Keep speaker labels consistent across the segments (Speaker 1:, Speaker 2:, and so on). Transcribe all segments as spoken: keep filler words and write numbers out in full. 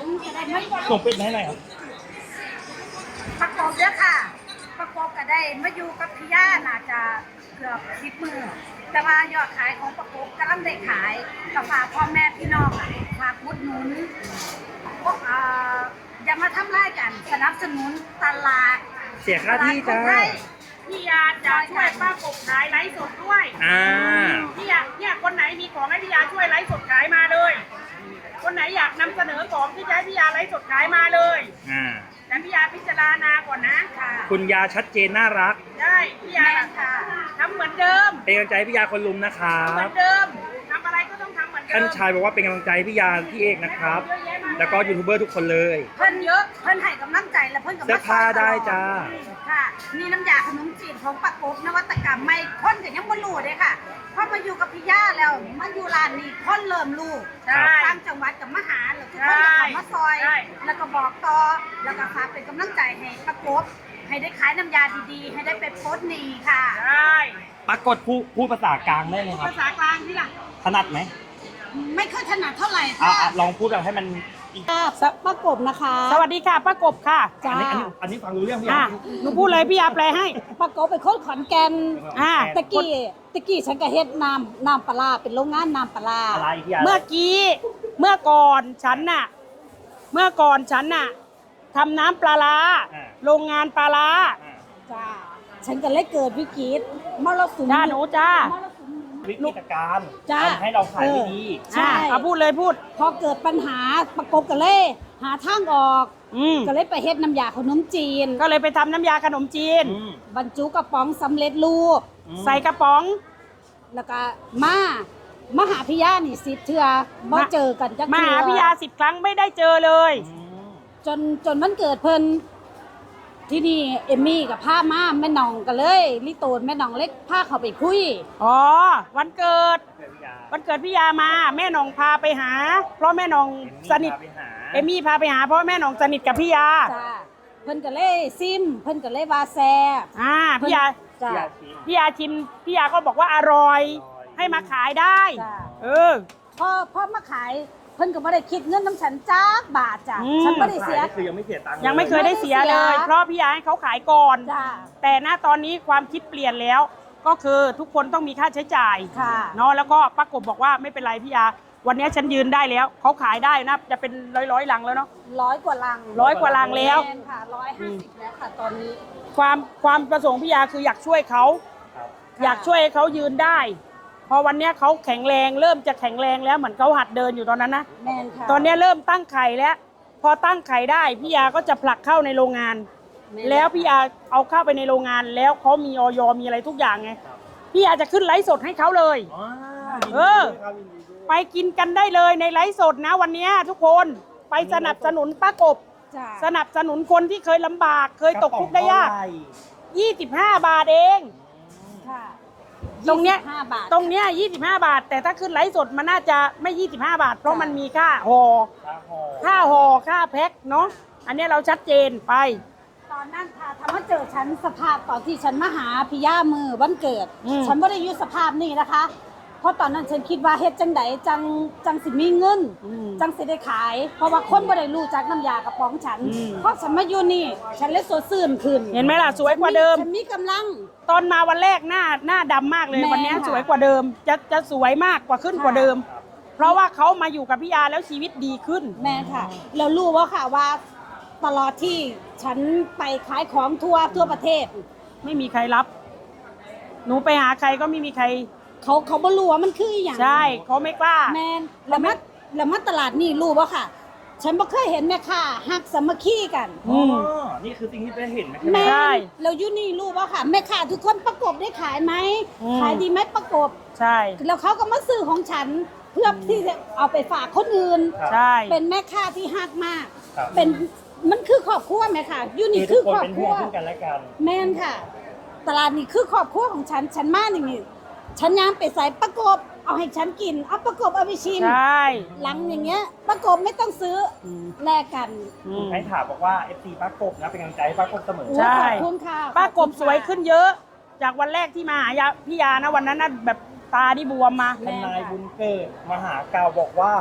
Speaker 1: จะได้ไม่
Speaker 2: ส่งเป็ดมาให้หน่อยครับ
Speaker 1: ประกอบเยอะค่ะ ประกอบก็ได้มาอยู่กับพี่ย่าน่าจะเกือบสิบมือแต่ว่ายอดขายของประกอบกำลังได้ขายกับฝากพ่อแม่พี่น้องอ่ะฝากอุดหนุนพวกเอ่ออย่ามาทำร้ายกันสนับสนุนตลาด
Speaker 2: เสียค่าที่จ้า
Speaker 3: พี่ยาจะช่วยป้ากบขายไลฟ์สดด้วย
Speaker 2: อ่า
Speaker 3: พี่ยาเนี่ยคนไหนมีของให้พี่ยาช่วยไลฟ์สดขายมาเลย คนไหนอยากนำเสนอของที่จะให้พี่ยาไลฟ์สดขายมาเลย
Speaker 2: อ่า
Speaker 3: แต่พี่ยาพิจารณาก่อนนะค่ะ
Speaker 2: คุณยาชัดเจนน่ารัก
Speaker 3: ได้พี่ยา
Speaker 1: แม่ค่ะ
Speaker 3: ทำเหมือนเดิม
Speaker 2: เป็นกำลังใจให้พี่ยาคนลุมนะครั
Speaker 3: เหมื
Speaker 2: บ
Speaker 3: อนเดิมทำอะไรก็ต้องทำเหมือนเดิม
Speaker 2: ท่านชายบอกว่าเป็นกำลังใจให้พี่ยาพี่เอกนะครับ แล้วก็ยูทูบเบอร์ทุกคนเลย
Speaker 1: เพิ่นเยอะเพิ่นให้กำลังใจและเพิ่นกับ
Speaker 2: เสื้อผ้าได้จ้า
Speaker 1: ค่ะมีน้ำยาขนมจีนของประกบนวัตกรรมไม่คนก็ยังบ่รู้เลยค่ะพอมาอยู่กับพี่ย่าแล้วมาอยู่ร้านนี้คนเริ่มรู้
Speaker 3: ใช่
Speaker 1: ตามจังหวัดกับมาหาแล้วทุกคนก็เข้ามาซอย
Speaker 3: ใช่
Speaker 1: แล้วก็บอกต่อแล้วก็ฝากเป็นกำลังใจให้ประกบให้ได้ขายน้ำยาดีๆ ให้ได้เป็นโพสต์นีค่ะ
Speaker 3: ได้
Speaker 2: ปรากฏพูดพูดภาษากลางได้เลยครับ
Speaker 3: ภาษากลางที่ล่ะ
Speaker 2: ถนัดไหม
Speaker 1: ไม่ค่อยถนัดเท่าไหร่
Speaker 2: อ่ะ
Speaker 1: ค่ะ
Speaker 2: อ่ะลองพูดแบบให้มันอีก
Speaker 1: ประกบนะคะ
Speaker 3: สวัสดีค่ะป้ากบค่ะ
Speaker 2: อันนี้อันนี้อันนี้ฟังรู้เรื่องพี่ยา
Speaker 3: อ่ะหนูพูดเลยพี่ยาแปลให้
Speaker 1: ประกบเป็นคนขอนแก่น
Speaker 3: อ่า
Speaker 1: ตะกี้ตะกี้ฉันก็เฮ็ดน้ำน้ำปลาร้าเป็นโรงงานน้ำปลาร้า
Speaker 2: อะไรพี่ยา
Speaker 3: เมื่อกี้เมื่อก่อนฉันน่ะ เมื่อก่อนฉันน่ะทำน้ำปลาร้าโรงงานปลาร้า
Speaker 2: อ่า
Speaker 1: จ้าฉันก็เลยเกิดวิกฤตมรสุม
Speaker 3: จ้าหนูจ้า
Speaker 2: วิกฤตการณ์
Speaker 1: จ้า
Speaker 2: ทำให้เราขายไม่ดี
Speaker 1: ใช่
Speaker 3: อ่ะเอาพูดเลยพูด
Speaker 1: พอเกิดปัญหาประกบกันเลยหาทางออก
Speaker 3: อืม
Speaker 1: ก็เลยไปเฮ็ดน้ำยาขนมจีน
Speaker 3: ก็เลยไปทำน้ำยาขนมจีน
Speaker 2: อืม
Speaker 1: บรรจุกระป๋องสำเร็จรูป
Speaker 2: อืม
Speaker 3: ใส่กระป๋อง
Speaker 1: แล้วก็มามาหาพี่ย่านี่สิเทื่อบ่เจอกันจัก
Speaker 3: มา
Speaker 1: เทื่อ
Speaker 3: หาพี่ยาสิบครั้งไม่ได้เจอเลย
Speaker 2: อืม
Speaker 1: จนจนมันเกิดเพิ่นที่นี่เอมมี่กับผ้ามาแม่น้องกันเลยลิโตนแม่น้องเล็กพาเขาไปคุย
Speaker 3: อ๋อวันเกิด
Speaker 2: เพื่อนพี่ยา
Speaker 3: วันเกิดพี่ยามาแม่หนองพาไปหา เพราะแม่หนองสนิท
Speaker 2: เอมมี่พาไปหา
Speaker 3: เอมมี่พาไปหาเพราะแม่หนองสนิทกับพี่ยา
Speaker 1: จ้าเพิ่นก็เลยซิม เพิ่นก็เลยว่าแซ่บ
Speaker 3: อ่าพี่ยา
Speaker 1: จ้า
Speaker 2: พี่ยาชิม
Speaker 3: พี่ยาชิมพี่ยาก็บอกว่าอร่อย
Speaker 2: อร่อย
Speaker 3: ให้มาขายได้
Speaker 1: จ้า
Speaker 3: เออ
Speaker 1: พอพอมาขายเพิ่นก็บ่ได้คิดเงินน้ำฉันจักบาทจ้ะ
Speaker 3: อืม
Speaker 1: ฉันบ่ได้เสีย
Speaker 2: ขนี่คือยังไม่เสียตังค์
Speaker 3: ยังไม่เคยได้เสียเลย
Speaker 1: ไม่ได้เสีย
Speaker 3: เพราะพี่ยาให้เขาขายก่อน
Speaker 1: จ้า
Speaker 3: แต่ณตอนนี้ความคิดเปลี่ยนแล้ว ก็คือทุกคนต้องมีค่าใช้จ่าย
Speaker 1: ค่ะ
Speaker 3: เนาะแล้วก็ป้ากบบอกว่าไม่เป็นไรพี่ยา วันนี้ฉันยืนได้แล้วเขาขายได้นะจะเป็นร้อยร้อยๆลังแล้วเนาะ
Speaker 1: ร้อยกว่าลัง
Speaker 3: ร้อยกว่าลังแล้ว
Speaker 1: แม่นค่ะร้อยห้าสิบแล้วค่ะตอนนี้
Speaker 3: ความความประสงค์พี่ยาคืออยากช่วยเขา
Speaker 2: ครับ
Speaker 3: อยากช่วยให้เขายืนได้ พอวันเนี้ยเขาแข็งแรงเริ่มจะแข็งแรงแล้วเหมือนเขาหัดเดินอยู่ตอนนั้นนะ
Speaker 1: แม่นค่ะ
Speaker 3: ตอนเนี้ยเริ่มตั้งไข่แล้ว พอตั้งไข่ได้พี่ยาก็จะผลักเข้าในโรงงาน
Speaker 1: ม่น
Speaker 3: แล้วพี่ยาเอาเข้าไปในโรงงาน แล้วเขามีออยมีอะไรทุกอย่างไงพี่ยาจะขึ้นไลฟ์สดให้เขาเลย
Speaker 2: อ๋อ
Speaker 3: เออ ไปกินกันได้เลยในไลฟ์สดนะวันเนี้ยทุกคนไปสนับสนุนป้ากบ
Speaker 1: จ้า
Speaker 3: สนับสนุนคนที่เคยลำบาก เคยตกทุกข์ได้ยาก
Speaker 2: ระป๋องเท่ไหร่
Speaker 3: ยี่สิบห้าบาทเอง
Speaker 1: ค่ะ
Speaker 3: ตรงเนี้ย
Speaker 1: ยี่สิบห้าบาท
Speaker 3: ตรงเนี้ยยี่สิบห้าบาท แต่ถ้าขึ้นไลฟ์สดมันน่าจะไม่ยี่สิบห้าบาท เพราะมันมีค่าห่อ
Speaker 2: ค่าห่อ
Speaker 3: ค่าห่อค่าแพ็คเนาะอันเนี้ยเราชัดเจนไป
Speaker 1: ตอนนั้นค่ะทำให้เจอฉันสภาพตอนที่ฉันมาหาพี่ย่ามือวันเกิด
Speaker 3: อืม
Speaker 1: ฉันไม่ได้อยู่สภาพนี้นะคะ เพราะตอนนั้นฉันคิดว่าเฮ็ดจังไดจังจังสิมีเงิน
Speaker 3: อืม
Speaker 1: จังสิได้ขาย เพราะว่าคนบ่ได้รู้จักน้ำยากระป๋องฉัน
Speaker 3: อืม
Speaker 1: เพราะฉันมาอยู่นี่ ฉันเลยสดชื่นขึ้น
Speaker 3: เห็นไหมล่ะสวยกว่าเดิม
Speaker 1: ฉันมีกำลัง
Speaker 3: ตอนมาวันแรกหน้าหน้าดำมากเลย
Speaker 1: แม่
Speaker 3: วันเนี้ย
Speaker 1: ค่ะ
Speaker 3: สวยกว่าเดิม จะจะสวยมากกว่าขึ้น
Speaker 1: ค่ะ
Speaker 3: กว่าเดิม เพราะว่าเขามาอยู่กับพี่ยาแล้วชีวิตดีขึ้น
Speaker 1: แม่ค่ะเรารู้ว่าค่ะว่าตลอดที่ฉันไปขายของทั่วทั่วประเทศ
Speaker 3: ไม่มีใครรับ หนูไปหาใครก็ไม่มีใคร
Speaker 1: เขาเขาบ่รู้ว่ามันคืออหย่าง
Speaker 3: ใช่เขาไม่กล้า
Speaker 1: แมนแล้วมาแล้วมาตลาดนี่รู้ว่าค่ะ ฉันบ่เคยเห็นแม่ค้าฮักสามัคคีกัน
Speaker 3: อื
Speaker 2: อ๋อ
Speaker 3: ม
Speaker 2: นี่คือสิ่งที่ได้เห็นไหม
Speaker 1: แม่
Speaker 3: ใช่
Speaker 1: แล้วอยู่นี่รู้ว่าค่ะ แม่ค้าทุกคนประกบได้ขายไหม
Speaker 3: อืม
Speaker 1: ขายดีไหมประกบ
Speaker 3: ใช่
Speaker 1: แล้วเขาก็มาซื้อของฉัน เพื่อที่จะเอาไปฝากคนอื่น
Speaker 3: ใช่
Speaker 1: เป็นแม่ค้าที่ฮักมาก
Speaker 2: ครับ
Speaker 1: เป็นมันคือครอบครัวแม่ค่ะอยู่นี่
Speaker 2: คือ
Speaker 1: คื
Speaker 2: ทุ
Speaker 1: อก
Speaker 2: คน
Speaker 1: ครอบครัว
Speaker 2: เป็นห่วงซึ่งกันและกัน
Speaker 1: แม่นค่ะ ตลาดนี่คือครอบครัวของฉัน ฉันมาอย่างนี้ฉันยามไปใส่ประกบ เอาให้ฉันกิน เอาประกบเอาไปชิม
Speaker 3: ใช่
Speaker 1: หลังอย่างเงี้ย ประกบไม่ต้องซื้ออ
Speaker 3: ม
Speaker 1: แลกกัน
Speaker 3: อืม
Speaker 2: ให้ถามบอกว่า เอฟ ซี ป้ากบนะเป็นกำลังใจให้ป้ากบเสมอ
Speaker 3: ใช่
Speaker 1: ขอบคุณค่ะ
Speaker 3: ป้ากบ
Speaker 1: ขอคุณค่ะ
Speaker 3: สวยขึ้นเยอะ จากวันแรกที่มาหายาพี่ยานะวันนั้นน่ะแบบตาที่บวมมา
Speaker 2: ทนายบุญเกิดมหากาวบอกว่า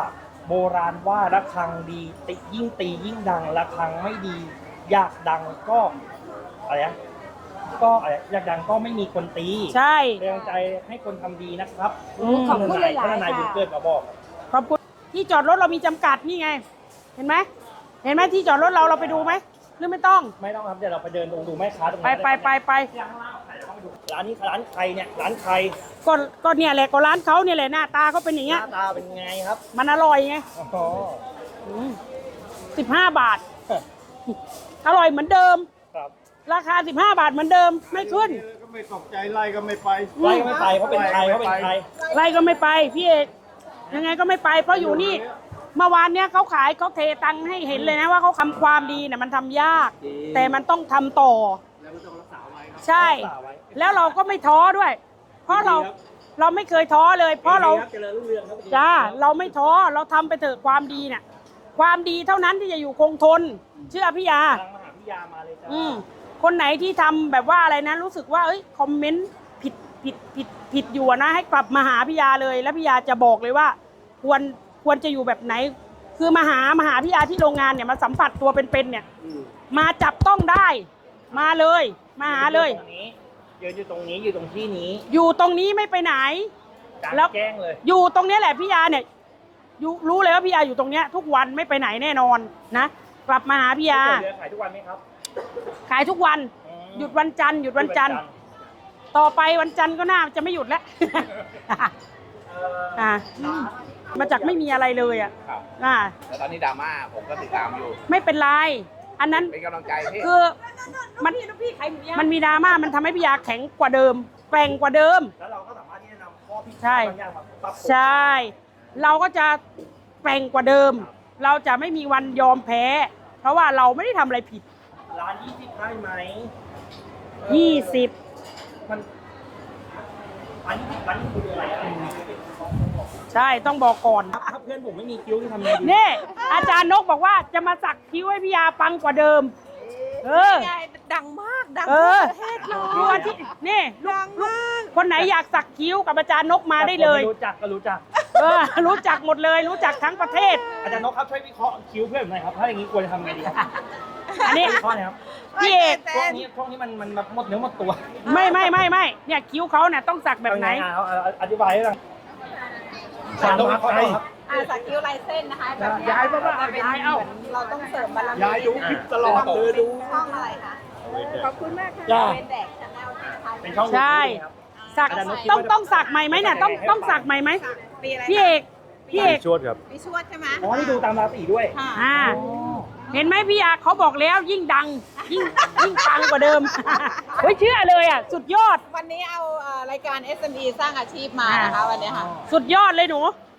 Speaker 2: โบราณว่าระฆังดีติยิ่งตียิ่งดังระฆังไม่ดี อยากดังก็อะไรนะก็อะไรอยากดังก็ไม่มีคนตี
Speaker 3: ใช่
Speaker 2: เป็นกำลังใจให้คนทำดีนะครับ
Speaker 3: อืม
Speaker 1: ขอบคุณหลายๆ
Speaker 2: ท่านนายบุญ
Speaker 1: ค่ะ
Speaker 2: เกิดมาบอก
Speaker 3: ขอบคุณที่จอดรถเรามีจำกัดนี่ไง เห็นไหมเห็นไหมที่จอดรถเราเราไปดูไหมหรือไม่ต้อง
Speaker 2: ไม่ต้องครับเดี๋ยวเราไปเดินดูดูแม่ค้าตรง
Speaker 3: ไป
Speaker 2: นั้น
Speaker 3: ไปไปไป
Speaker 2: ร้านนี้ร้านใครเนี่ยร้านใคร
Speaker 3: ก็ก็เนี่ยแหละก็ร้านเขาเนี่ยแหละหน้าตาเขาเป็นอย่าง
Speaker 2: ห
Speaker 3: เงี้ย
Speaker 2: น้าตาเป็นไงครับ
Speaker 3: มันอร่อยไง
Speaker 2: อ๋อ
Speaker 3: สิบห้าบาท อร่อยเหมือนเดิม
Speaker 2: ครับ
Speaker 3: ราคาสิบห้าบาทเหมือนเดิมไม่ขึ้น
Speaker 4: ก็ไม่ตกใจไล่ก็ไม่ไป
Speaker 2: ไล่ก็ไม่ไปเพราะเป็นใครเพราะเป็นใคร
Speaker 3: ไรก็ไม่ไปพี่เอกยังไงก็ไม่ไป เพราะอยู่นี่เมื่อวานเนี้ยเขาขายเขาเทตังค์ให้เห็นเลยนะว่าเขาทำความดีเนี่ยมันทำยาก แต่มันต้องทำต่อ
Speaker 4: แล้วมันต้องรักษาไว้ครับ
Speaker 3: ใช่
Speaker 2: รักษาไว้
Speaker 3: แล้วเราก็ไม่ท้อด้วย เพราะเราเราไม่เคยท้อเลย เพราะเรา
Speaker 2: เจริญรุ่งเรืองครับ
Speaker 3: จ้าเราไม่ท้อเราทำไปเถอะความดีเนี่ยความดีเท่านั้นที่จะอยู่คงทน เชื่อพี่ยา
Speaker 2: ทางมหาพิยามาเลยจ้า
Speaker 3: อืมคนไหนที่ทำแบบว่าอะไรนะรู้สึกว่าเอ้ยคอมเมนต์ผิดผิดผิดผิดอยู่อะนะให้กลับมาหาพี่ยาเลย แล้วพี่ยาจะบอกเลยว่า ควรควรจะอยู่แบบไหน คือมาหามาหาพี่ยาที่โรงงานเนี่ยมาสัมผัสตัวเป็นๆเนี่ย มาจับต้องได้ มาเลย มาหาเลย
Speaker 2: ตรงนี้ยืนอยู่ตรงนี้อยู่ตรงที่นี้
Speaker 3: อยู่ตรงนี้ไม่ไปไหน
Speaker 2: กลาง
Speaker 3: แล้ว
Speaker 2: แจ้งเลย
Speaker 3: อยู่ตรงเนี้ยแหละพี่ยาเนี่ยอยู่รู้เลยว่าพี่ยาอยู่ตรงเนี้ยทุกวันไม่ไปไหนแน่นอนนะกลับมาหาพี่ยา
Speaker 2: เรือขายทุกวันไหมครับ
Speaker 3: ขายทุกวัน
Speaker 2: อืม
Speaker 3: หยุดวันจันทร์หยุดวันจันทร์ต่อไปวันจันทร์ก็น่าจะไม่หยุดแล้ว
Speaker 2: เอ่อ
Speaker 3: อ่ามาจากไม่มีอะไรเลยอ่ะ
Speaker 5: ครับ
Speaker 3: อ่า
Speaker 5: แต่ตอนนี้ดราม่าผมก็ติดตามอยู่
Speaker 3: ไม่เป็นไรอันนั้น
Speaker 5: เป็นกำลังใจพี่
Speaker 3: คือมันมันมีดราม่ามันทำให้พี่ยาแข็งกว่าเดิมแกร่งกว่าเดิม
Speaker 2: แล้วเราก็สามารถที่จะนำข้อพิ
Speaker 3: ใช่
Speaker 2: พาทบางอย่างมาปรับปรุง
Speaker 3: ใช่ เราก็จะแกร่งกว่าเดิม เราจะไม่มีวันยอมแพ้ เพราะว่าเราไม่ได้ทำอะไรผิด
Speaker 2: ร้านยี่สิบได้ไหม
Speaker 3: ยี่สิบ
Speaker 2: มันร้านยี่สิบร้านยี่สิบคืออะไรอะไร
Speaker 3: ใช่ต้องบอกก่อน
Speaker 2: ถ้าเพื่อนผมไม่มีคิ้วที่ทำไงดี
Speaker 3: นี่อาจารย์นกบอกว่าจะมาสักคิ้วให้พี่ยาปังกว่าเดิม เออ
Speaker 6: ดังมาก ดัง
Speaker 3: เอ
Speaker 6: ทั่ว
Speaker 3: อ
Speaker 6: ประเทศเลย
Speaker 3: ดูอาทิตย์นี่ลูก
Speaker 6: ดังมาก
Speaker 3: คนไหนอยากสักคิ้วกับอาจารย์นกมาได้เลย
Speaker 2: แต่คนไม่รู้จักก็รู้จัก
Speaker 3: เออ รู้จักหมดเลย รู้จักทั้งประเทศ
Speaker 2: อาจารย์นกครับช่วยวิเคราะห์คิ้วเพื่อนผมหน่อยครับถ้าอย่างนี้ควรจะทำไงดีครับ
Speaker 3: อันนี้
Speaker 2: วิเคราะห์หน่อยครับ
Speaker 3: พี่เอก
Speaker 2: ช่วงนี้ช่วงนี้มันมันแบบหมดเนื้อหมดตัว
Speaker 3: ไม่ไม่ไม่ไม่เนี่ยคิ้วเขาเนี่ยต้องสักแบบไหน
Speaker 2: เอางเอาเอาอธิบายให้ฟังอาจารย์นกวิเคราะห์หน่อยครับ
Speaker 6: อาสักคิ้วลายเส้นนะคะแบบเนี้
Speaker 3: ย้ายมาบ้าง
Speaker 6: จะเป็น
Speaker 3: ย้ายเอ้า
Speaker 6: หมืนเราต้องเสริมบารมี
Speaker 4: ยายดูคลิปตลอดเลยดู
Speaker 6: ช่องอะไรคะ ขอบคุณมากค่ะ
Speaker 3: จ้า
Speaker 6: เป็นแดกชาแนลนะคะ
Speaker 2: เป็นช่อง
Speaker 3: ใช่
Speaker 2: ครับ
Speaker 3: สัก
Speaker 2: อาจารย์นกคิด
Speaker 3: ต้อง
Speaker 2: ว่า
Speaker 3: ต้องสักใหม่ไหมเนี่ยต้องต้องสักใหม่ไหม
Speaker 6: ปีอะไร
Speaker 3: พี่เอกพี่เอก
Speaker 4: ชวดครับ
Speaker 6: ปีชวดใช่ไหม
Speaker 2: อ๋อนี่ดูตามราศีด้วย
Speaker 6: ค่ะ
Speaker 3: อ่าเห็นไหมพี่ยาเขาบอกแล้วยิ่งดัง ยิ่งยิ่งปังกว่าเดิม เฮ้ยเชื่อเลยอ่ะสุดยอด
Speaker 6: วันนี้เอาเอ่อรายการ เอส เอ็ม อี สร้างอาชีพมานะคะวันนี้ค่ะ
Speaker 3: สุดยอดเลยหนู
Speaker 6: ค